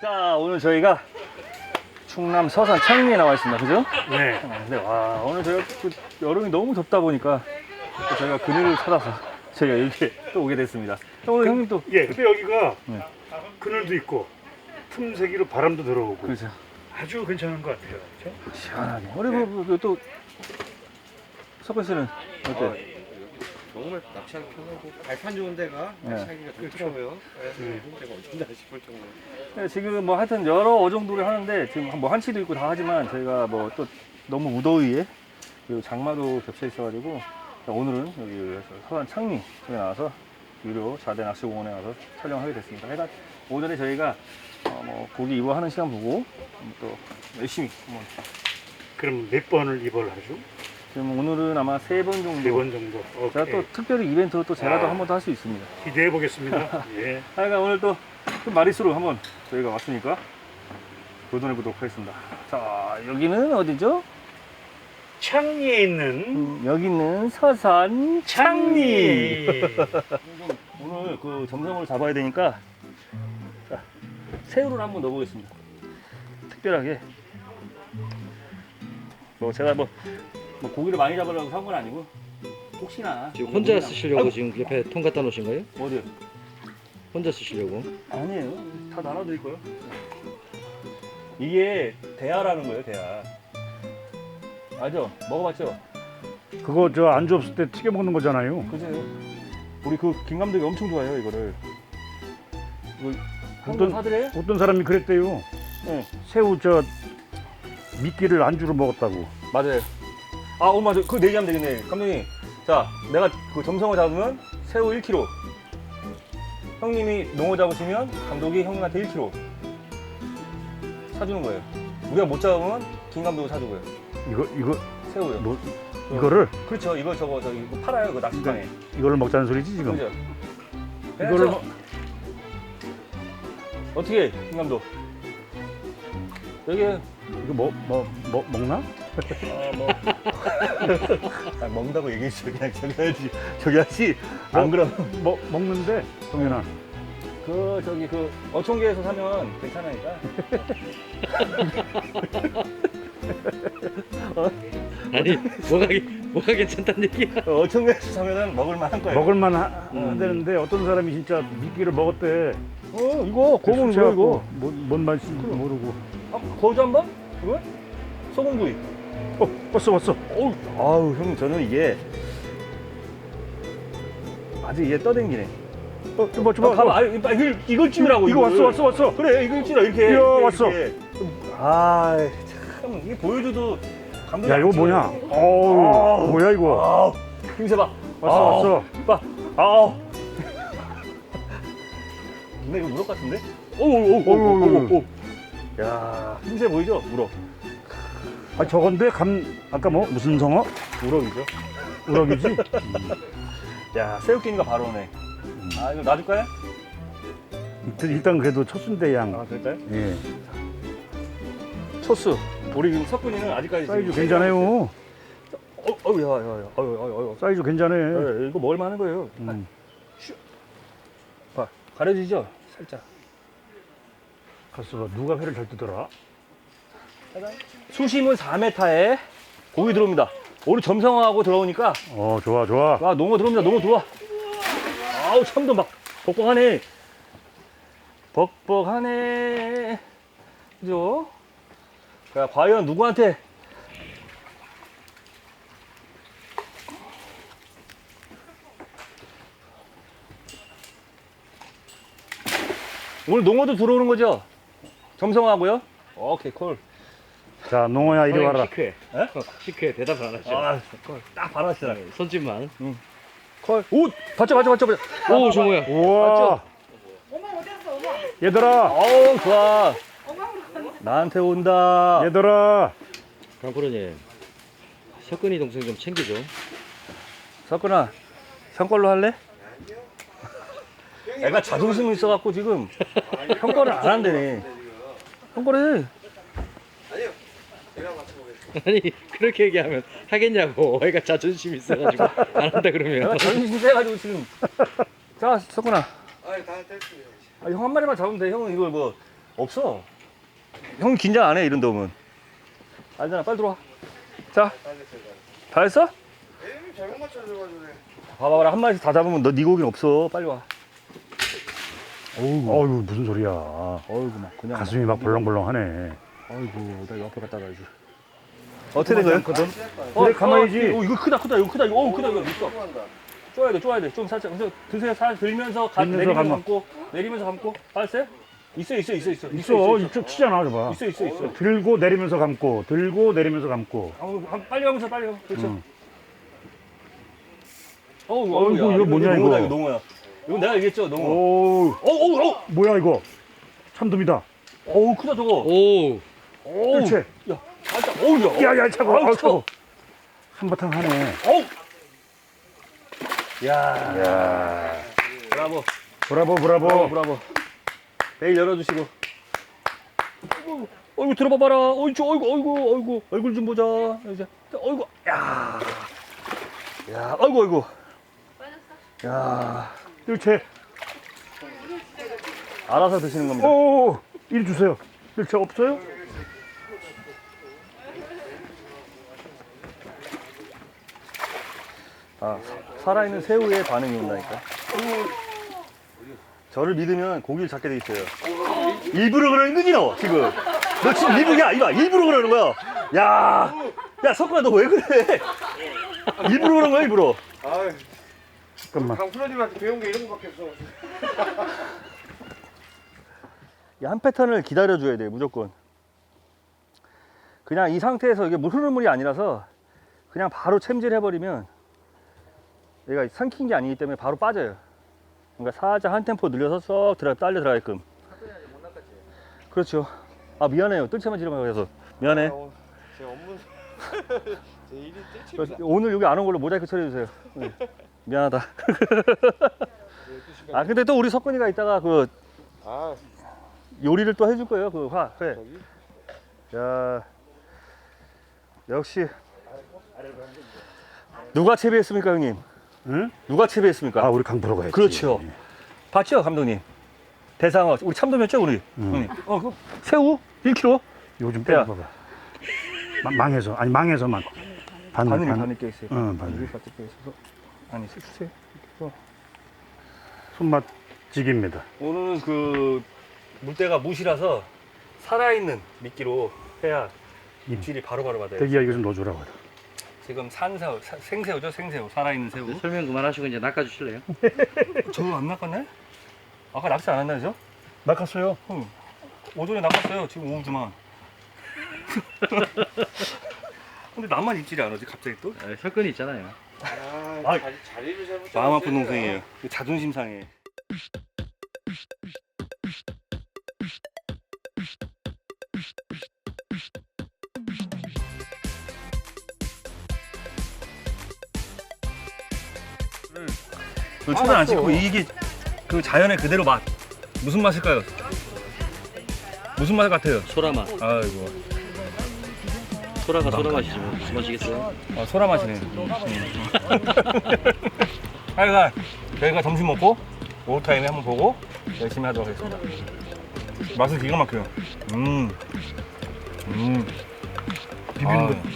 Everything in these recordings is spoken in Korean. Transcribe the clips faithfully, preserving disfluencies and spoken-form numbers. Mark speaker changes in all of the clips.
Speaker 1: 자, 오늘 저희가 충남 서산 창리에 나와 있습니다. 그죠?
Speaker 2: 네.
Speaker 1: 아, 근데 와, 오늘 저희가 그 여름이 너무 덥다 보니까 또 저희가 그늘을 찾아서 저희가 여기에 또 오게 됐습니다. 오늘 형님 또
Speaker 2: 예, 근데 여기가
Speaker 1: 네.
Speaker 2: 그늘도 있고 틈새기로 바람도 들어오고
Speaker 1: 그렇죠.
Speaker 2: 아주 괜찮은 것 같아요. 그렇죠?
Speaker 1: 시원하게. 우리 뭐, 뭐, 또 석근 씨는 어때?
Speaker 3: 정말 낚시하기 편하고 발판 좋은 데가
Speaker 1: 네.
Speaker 3: 낚시하기가 좋더라고요. 네. 좋은 데가 어딘가 싶을 정도로.
Speaker 1: 네, 지금 뭐 하여튼 여러 어종들을 하는데 지금 뭐 한치도 있고 다 하지만 저희가 뭐 또 너무 무더위에 그리고 장마도 겹쳐 있어가지고 오늘은 여기 서산 창리 쪽에 나와서 유료 자대 낚시공원에 와서 촬영하게 됐습니다. 하여간 오늘은 저희가 어 뭐 고기 입어하는 시간 보고 또 열심히 한번
Speaker 2: 그럼 몇 번을 입을 하죠?
Speaker 1: 지금 오늘은 아마 세 번 정도
Speaker 2: 네 번 정도.
Speaker 1: 제가
Speaker 2: 오케이.
Speaker 1: 또 특별히 이벤트로 또 제가 또
Speaker 2: 아.
Speaker 1: 한 번 더 할 수 있습니다.
Speaker 2: 기대해 보겠습니다. 예.
Speaker 1: 하여간 오늘 또 마리수로 한번 저희가 왔으니까 도전해 보도록 하겠습니다. 자, 여기는 어디죠?
Speaker 2: 창리에 있는
Speaker 1: 음, 여기는 서산 창리. 오늘 그 점성을 잡아야 되니까 자, 새우를 한번 넣어보겠습니다. 특별하게 뭐 제가 뭐, 뭐 고기를 많이 잡으려고 산 건 아니고 혹시나
Speaker 4: 지금 혼자
Speaker 1: 고기나-
Speaker 4: 쓰시려고
Speaker 1: 아이고,
Speaker 4: 지금 옆에 통 갖다 놓으신 거예요?
Speaker 1: 어디요?
Speaker 4: 혼자 쓰시려고?
Speaker 1: 아니에요. 다 나눠드릴 거예요. 이게 대하라는 거예요, 대하. 알죠? 먹어봤죠?
Speaker 2: 그거 저 안주 없을 때 튀겨 먹는 거잖아요.
Speaker 1: 그죠? 우리 그 김 감독이 엄청 좋아해요, 이거를. 이거 한번
Speaker 2: 어떤-
Speaker 1: 사드려요?
Speaker 2: 어떤 사람이 그랬대요.
Speaker 1: 네,
Speaker 2: 새우 저 미끼를 안주로 먹었다고.
Speaker 1: 맞아요. 아, 어, 맞아. 그거 내기하면 되겠네. 감독님. 자, 내가 그 점성어 잡으면 새우 일 킬로그램. 형님이 농어 잡으시면 감독이 형님한테 일 킬로그램 사주는 거예요. 우리가 못 잡으면 김 감독이 사주고요.
Speaker 2: 이거 이거
Speaker 1: 새우요.
Speaker 2: 뭐 이거를
Speaker 1: 그렇죠. 이거 저거 저기 이거 팔아요. 그 낚시방에.
Speaker 2: 이거를 먹자는 소리지 지금.
Speaker 1: 그죠?
Speaker 2: 이거를
Speaker 1: 저-
Speaker 2: 먹-
Speaker 1: 어떻게 김 감독? 여기
Speaker 2: 이거 뭐 뭐 뭐 먹나?
Speaker 1: 아, 뭐. 아, 먹는다고 얘기했어. 그냥 저기 하지. 저기 하지. 안 그러면
Speaker 2: 뭐 먹는데 동현아.
Speaker 1: 그 저기 그 어촌계에서 사면 괜찮으니까.
Speaker 4: 아니 뭐가 게- 뭐가 괜찮다는 얘기야?
Speaker 1: 어촌계에서 사면은 먹을 만한 거예요.
Speaker 2: 먹을만 하,
Speaker 1: 음.
Speaker 2: 되는데 어떤 사람이 진짜 미끼를 먹었대.
Speaker 1: 어, 이거 고문 이거 이거.
Speaker 2: 뭔, 뭔 맛인지 모르고.
Speaker 1: 아, 거주 한번? 이거? 소금구이.
Speaker 2: 어 왔어 왔어.
Speaker 1: 어우, 아우 형님 저는 이게 아주 이게 떠댕기네.
Speaker 2: 어 줘봐 줘봐.
Speaker 1: 어, 가봐. 아, 이걸 이걸 찌우라고.
Speaker 2: 이거 왔어
Speaker 1: 이거를.
Speaker 2: 왔어 왔어.
Speaker 1: 그래, 이걸 찌라 이렇게.
Speaker 2: 이야,
Speaker 1: 이렇게,
Speaker 2: 왔어.
Speaker 1: 이렇게. 아, 참 이게 보여줘도 감동이
Speaker 2: 야 이거
Speaker 1: 안
Speaker 2: 뭐냐?
Speaker 1: 찍어요.
Speaker 2: 어우
Speaker 1: 아우.
Speaker 2: 뭐야 이거?
Speaker 1: 아우, 힘세 봐.
Speaker 2: 왔어
Speaker 1: 아우,
Speaker 2: 왔어.
Speaker 1: 봐. 아우. 근데 이거 우럭 같은데? 오오오오오오. 야, 힘세 보이죠? 우럭.
Speaker 2: 아 저건데 감 아까 뭐 무슨 성어?
Speaker 1: 우럭이죠.
Speaker 2: 우럭이지?
Speaker 1: 야, 새우끼니가 바로 오네. 아, 이거 놔줄까요?
Speaker 2: 일단- 일단 그래도 첫순대 양.
Speaker 1: 아, 그럴까요?
Speaker 2: 예.
Speaker 1: 초수. 우리 지금 석군이는 아직까지
Speaker 2: 사이즈
Speaker 1: 지금
Speaker 2: 괜찮아요.
Speaker 1: 어, 어우, 야, 야, 야, 어유, 어유, 어유.
Speaker 2: 사이즈 괜찮아.
Speaker 1: 예, 이거 먹을 만한 거예요.
Speaker 2: 음.
Speaker 1: 봐, 가려지죠? 살짝.
Speaker 2: 갔어 봐. 누가 회를 잘 뜨더라?
Speaker 1: 수심은 사 미터에 고기 들어옵니다. 오늘 점성하고 들어오니까
Speaker 2: 어 좋아 좋아.
Speaker 1: 와, 농어 들어옵니다. 농어 들어와. 아우, 참도 막 벅벅하네. 벅벅하네. 그죠? 자, 과연 누구한테? 오늘 농어도 들어오는 거죠? 점성하고요? 오케이, 콜.
Speaker 2: 자 농어야 이리 와라.
Speaker 4: 시크해.
Speaker 1: 에?
Speaker 4: 어, 시크해 대답을 안 하죠.
Speaker 1: 아, 콜. 딱 바라시더라.
Speaker 4: 손짓만.
Speaker 1: 콜. 오! 봤죠, 봤죠, 봤죠, 봤죠.
Speaker 4: 오 정우야.
Speaker 2: 우와.
Speaker 5: 엄마 어디 갔어, 엄마?
Speaker 2: 얘들아
Speaker 1: 어우, 좋아.
Speaker 5: 엄마 우리 갔어.
Speaker 1: 나한테 온다.
Speaker 2: 얘들아.
Speaker 4: 강프로님 석근이 동생 좀 챙겨줘.
Speaker 1: 석근아, 형 걸로 할래? 애가 자존심이 있어갖고 지금 형 거를 안 한대네. 형 거를 해.
Speaker 4: 아니 그렇게 얘기하면 하겠냐고. 애가 자존심 있어가지고 안 한다 그러면.
Speaker 1: 내가 자존심 세가지고 지금. 자, 석근아. 아, 형 한 마리만 잡으면 돼. 형은 이걸 뭐 없어. 형 긴장 안 해, 이런 놈은. 알잖아, 빨리 들어와. 자, 다 했어?
Speaker 3: 에이 잘못 맞춰줘가지고.
Speaker 1: 봐봐라, 한 마리씩 다 잡으면 너 네 고기는 없어. 빨리 와. 어우,
Speaker 2: 어휴 무슨 소리야.
Speaker 1: 어이구, 막 그냥.
Speaker 2: 가슴이 막 벌렁벌렁하네.
Speaker 1: 아이고, 나 이거 앞에 갖다 놔야지. 어떻게 된 거야?
Speaker 2: 거든.
Speaker 1: 어,
Speaker 2: 그래 가만히지.
Speaker 1: 어, 이거 크다, 크다, 이거 크다, 이거, 어우, 크다, 이거 있어. 쪼아야 돼, 쪼아야 돼. 좀 살짝. 그래서 드세요. 살 들면서 가,
Speaker 2: 들면서
Speaker 1: 내리면서
Speaker 2: 감아.
Speaker 1: 감고, 내리면서 감고. 알았어요? 있어, 있어, 있어, 있어.
Speaker 2: 있어 이쪽 치잖아 저봐.
Speaker 1: 있어, 있어, 있어.
Speaker 2: 들고 내리면서 감고 들고 내리면서 감고.
Speaker 1: 아, 감- 빨리 가면서 빨리 가. 그렇죠.
Speaker 2: 응.
Speaker 1: 어우,
Speaker 2: 어이구,
Speaker 1: 어이구, 야,
Speaker 2: 이거 뭐냐,
Speaker 1: 농어다,
Speaker 2: 이거.
Speaker 1: 이거 농어야. 이거 내가 얘기했죠, 농어.
Speaker 2: 오
Speaker 1: 어우, 어우, 어우.
Speaker 2: 뭐야 이거. 참돔이다.
Speaker 1: 어우, 크다 저거.
Speaker 4: 오.
Speaker 1: 어우.
Speaker 2: 그렇지.
Speaker 1: 야, 살짝. 어우, 야.
Speaker 2: 야야 차고.
Speaker 1: 아우,
Speaker 2: 아우
Speaker 1: 차워.
Speaker 2: 차고. 한바탕 하네.
Speaker 1: 어우. 야.
Speaker 2: 야.
Speaker 1: 브라보.
Speaker 2: 브라보
Speaker 1: 브라보,
Speaker 2: 브라보.
Speaker 1: 브라보. 베일 열어주시고. 어이구, 어이구, 들어봐봐라. 어이구, 어이구, 어이구, 어이구. 얼굴 좀 보자. 이제. 어이구. 야. 야, 어이구, 어이구. 야.
Speaker 2: 일체.
Speaker 1: 알아서 드시는 겁니다.
Speaker 2: 오 이리 주세요. 일체 없어요?
Speaker 1: 아, 사- 살아있는 새우의 반응이 온다니까. 저를 믿으면 고기를 잡게 돼 있어요. 일부러 그러는 거지, 너, 지금. 너 지금 일부러, 야, 이봐, 일부러 그러는 거야. 야, 야, 석구야, 너 왜 그래? 일부러 그런 거야, 일부러.
Speaker 3: 아
Speaker 2: 잠깐만.
Speaker 3: 강프로님한테 배운 게 이런 거밖에 없어.
Speaker 1: 이 한 패턴을 기다려줘야 돼, 무조건. 그냥 이 상태에서 이게 물 흐르는 물이 아니라서 그냥 바로 챔질 해버리면 얘가 삼킨 게 아니기 때문에 바로 빠져요. 그러니까 살짝 한 템포 늘려서 쏙 들어, 딸려 들어가게끔. 그렇죠. 아, 미안해요. 뜰채만 지르면 해서. 미안해.
Speaker 3: 아, 제 업무 제 일이 뜰칩니다.
Speaker 1: 그래서 오늘 여기 안 온 걸로 모자이크 처리해주세요. 네. 미안하다. 아, 근데 또 우리 석근이가 이따가 그
Speaker 3: 아
Speaker 1: 요리를 또 해줄 거예요. 그 화, 회.
Speaker 3: 저기
Speaker 1: 야, 역시. 누가 채비했습니까, 형님?
Speaker 2: 응?
Speaker 1: 누가 채비했습니까?
Speaker 2: 아 우리 강프로가 했지.
Speaker 1: 그렇죠. 봤죠, 감독님? 대상어. 우리 참돔했죠, 우리?
Speaker 2: 응.
Speaker 1: 형님. 어, 그 새우 일 킬로그램?
Speaker 2: 요즘
Speaker 1: 야.
Speaker 2: 빼봐봐. 마- 망해서 아니 망해서만. 바늘
Speaker 1: 바늘이
Speaker 2: 바늘.
Speaker 1: 바늘 껴 있어요.
Speaker 2: 응, 바늘.
Speaker 1: 바늘이 바늘 껴 있어서. 아니, 주세요.
Speaker 2: 손맛 찌개입니다.
Speaker 1: 오늘은 그 물때가 무시라서 살아있는 미끼로 해야 입질이 바로바로 받아요.
Speaker 2: 대기야 이거 좀 넣어주라고.
Speaker 1: 지금 산새우, 사- 생새우죠, 생새우. 살아있는 새우.
Speaker 4: 설명 그만하시고 이제 낚아주실래요?
Speaker 1: 저거 안 낚았네? 아까 낚시 안 한다, 그죠?
Speaker 2: 낚았어요.
Speaker 1: 응. 오전에 낚았어요. 지금 오후지만. 근데 나만 입질이 안 오지, 갑자기 또?
Speaker 4: 아, 설건이 있잖아요.
Speaker 3: 아,
Speaker 1: 아,
Speaker 3: 자리, 자리를 잘못
Speaker 1: 마음 아픈
Speaker 3: 잡았어요.
Speaker 1: 동생이에요. 자존심 상해. 초단 안 찍고 이게 그 자연의 그대로 맛. 무슨 맛일까요? 무슨 맛 같아요?
Speaker 4: 소라 맛.
Speaker 1: 아이고.
Speaker 4: 소라가 소라 맛이지 뭐 무슨 맛이겠어요?
Speaker 1: 아, 소라 맛이네. 하여간 저희가 점심 먹고 오후 타임에 한번 보고 열심히 하도록 하겠습니다. 맛은 기가 막혀요. 음, 음, 비비는 거.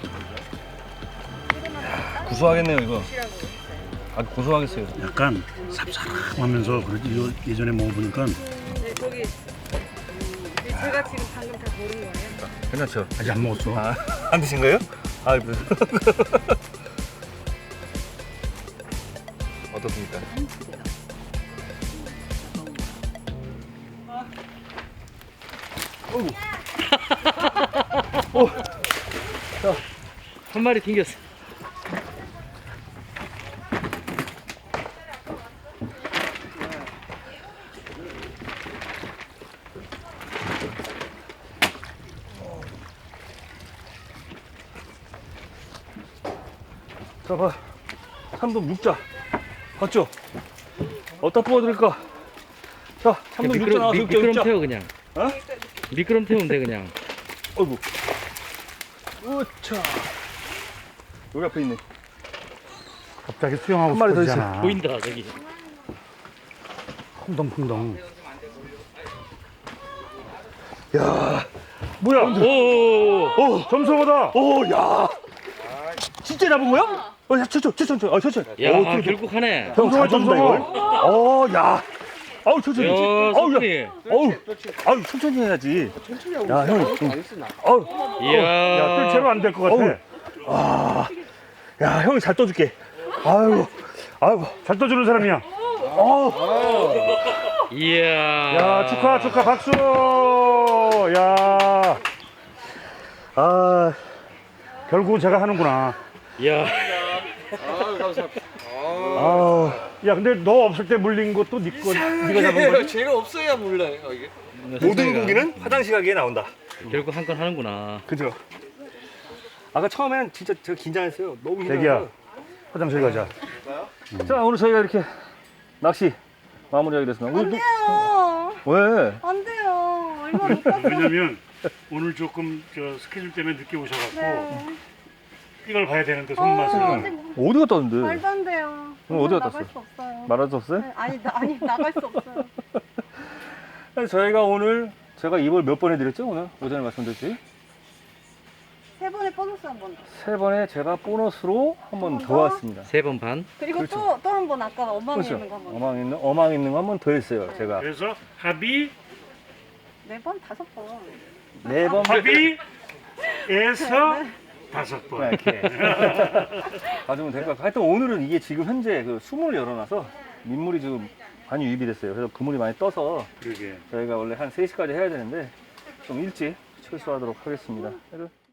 Speaker 1: 야, 구수하겠네요 이거. 아주 고소하겠어요.
Speaker 2: 약간 쌉싸름하면서 그러지. 이거 예전에 먹어보니까
Speaker 5: 네, 거기 제가 지금 방금 다 고른 거예요.
Speaker 1: 괜찮죠?
Speaker 2: 아직 안 먹었어.
Speaker 1: 아, 안 드신 거예요? 아, 그- 어떻습니까?
Speaker 4: 한 마리 튕겼어.
Speaker 1: 자, 봐. 참돔 육자. 봤죠? 어디다 뽑아드릴까? 자, 참돔 육자 나와서 육자,
Speaker 4: 미끄럼
Speaker 1: 육자.
Speaker 4: 태워 그냥.
Speaker 1: 어?
Speaker 4: 미끄럼 태우면 돼 그냥.
Speaker 1: 어이구. 우차. 여기 앞에 있네.
Speaker 2: 갑자기 수영하고
Speaker 1: 한 마리 더
Speaker 2: 싶어지잖아.
Speaker 4: 보인다 저기.
Speaker 2: 퐁덩퐁덩. 뭐야?
Speaker 4: 오.
Speaker 2: 어, 점성어다.
Speaker 1: 오, 야. 진짜 잡은 거야? 어, 야, 천천히, 천천히, 어, 천천히.
Speaker 4: 야,
Speaker 1: 어, 좀-
Speaker 4: 결국 하네.
Speaker 1: 형, 잘 잡는다, 이걸. 어, 야. 아우, 천천히.
Speaker 4: 야,
Speaker 1: 어우,
Speaker 4: 석훈이.
Speaker 1: 야. 어우, 아우, 천천히 해야지.
Speaker 3: 천천히 하고
Speaker 1: 야, 형, 좀. 어우,
Speaker 4: 이야.
Speaker 2: 야, 뜰채로 안 될 것 같아.
Speaker 1: 어우. 아, 야, 형이 잘 떠줄게. 아유, 아유,
Speaker 2: 잘 떠주는 사람이야.
Speaker 1: 어,
Speaker 4: 이야.
Speaker 2: 야, 축하, 축하, 박수. 야,
Speaker 1: 아,
Speaker 2: 결국은 제가 하는구나.
Speaker 4: 야.
Speaker 3: 아 감사합니다.
Speaker 1: 아,
Speaker 2: 야, 근데 너 없을 때 물린 것도 네 거, 네가 잡은 거지?
Speaker 3: 제가 없어야 몰라요 이게.
Speaker 1: 모든 고기는 화장실 가기에 나온다.
Speaker 4: 결국 한 건 하는구나.
Speaker 1: 그죠? 아까 처음엔 진짜 제가 긴장했어요. 너무
Speaker 2: 대기야,
Speaker 1: 긴장해서.
Speaker 2: 화장실 가자.
Speaker 1: 자, 오늘 저희가 이렇게 낚시 마무리하게 됐습니다. 오늘
Speaker 5: 돼요.
Speaker 1: 왜?
Speaker 5: 안 돼요. 얼마 못 봤어.
Speaker 2: 왜냐면 오늘 조금 저 스케줄 때문에 늦게 오셔갖고
Speaker 5: 네.
Speaker 2: 이걸 봐야 되는데
Speaker 5: 어,
Speaker 2: 손맛을.
Speaker 5: 아직
Speaker 1: 어디 갔다 왔는데?
Speaker 5: 말도 안 돼요.
Speaker 1: 오늘 어디 갔다
Speaker 5: 나갈
Speaker 1: 왔어?
Speaker 5: 수 없어요.
Speaker 1: 말할 수 없어요?
Speaker 5: 네, 아니, 나, 아니 나갈 수 없어요.
Speaker 1: 아니, 저희가 오늘 제가 입을 몇 번 해드렸죠? 오늘 오전에 말씀드렸지?
Speaker 5: 세 번에 보너스 한 번 더.
Speaker 1: 세 번에 제가 보너스로 한 번
Speaker 5: 한번
Speaker 1: 더
Speaker 5: 더?
Speaker 1: 왔습니다.
Speaker 4: 세 번 반.
Speaker 5: 그리고
Speaker 1: 그렇죠.
Speaker 5: 또 또 한 번 아까 엉망이
Speaker 1: 그렇죠?
Speaker 5: 있는 거 한 번.
Speaker 1: 어망 있는 어망 있는 거 한 번 더 했어요. 제가
Speaker 2: 그래서 합의,
Speaker 5: 네 번, 다섯 번.
Speaker 1: 네 번
Speaker 2: 합의에서 다섯 번.
Speaker 1: 이렇게 가지면 될 것 같고, 하여튼 오늘은 이게 지금 현재 그 수문을 열어놔서 민물이 지금 많이 유입이 됐어요. 그래서 그물이 많이 떠서
Speaker 2: 그러게.
Speaker 1: 저희가 원래 한 세 시까지 해야 되는데 좀 일찍 철수하도록 하겠습니다. 그래도